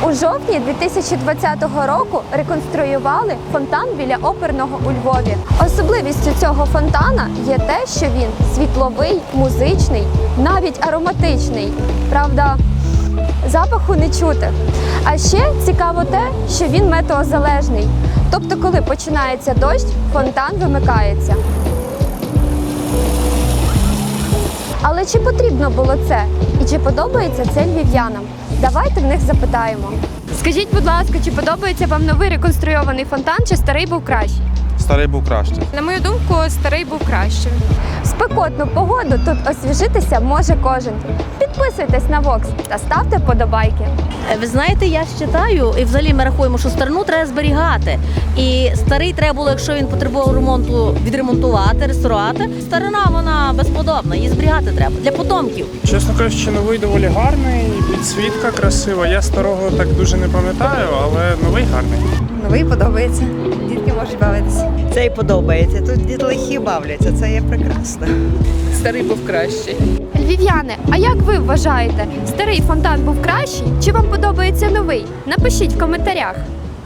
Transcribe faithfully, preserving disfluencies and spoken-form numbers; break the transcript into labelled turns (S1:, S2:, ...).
S1: У жовтні дві тисячі двадцятого року реконструювали фонтан біля Оперного у Львові. Особливістю цього фонтана є те, що він світловий, музичний, навіть ароматичний. Правда, запаху не чути. А ще цікаво те, що він метеозалежний. Тобто, коли починається дощ, фонтан вимикається. Але чи потрібно було це? І чи подобається це львів'янам? Давайте в них запитаємо. Скажіть, будь ласка, чи подобається вам новий реконструйований фонтан, чи старий був кращий?
S2: Старий був краще.
S3: На мою думку, старий був кращим.
S1: В спекотну погоду тут освіжитися може кожен. Підписуйтесь на Вокс та ставте вподобайки.
S4: Ви знаєте, я вважаю, і взагалі ми рахуємо, що старину треба зберігати. І старий треба було, якщо він потребував ремонту, відремонтувати, реставрувати. Старина, вона безподобна, її зберігати треба для потомків.
S5: Чесно кажучи, новий доволі гарний, підсвітка красива. Я старого так дуже не пам'ятаю, але новий гарний.
S6: Новий подобається. Дітки можуть бавитися.
S7: Цей подобається. Тут дітлахи бавляться, це є прекрасно.
S3: Старий був кращий.
S1: Львів'яни, а як ви вважаєте, старий фонтан був кращий чи вам подобається новий? Напишіть в коментарях.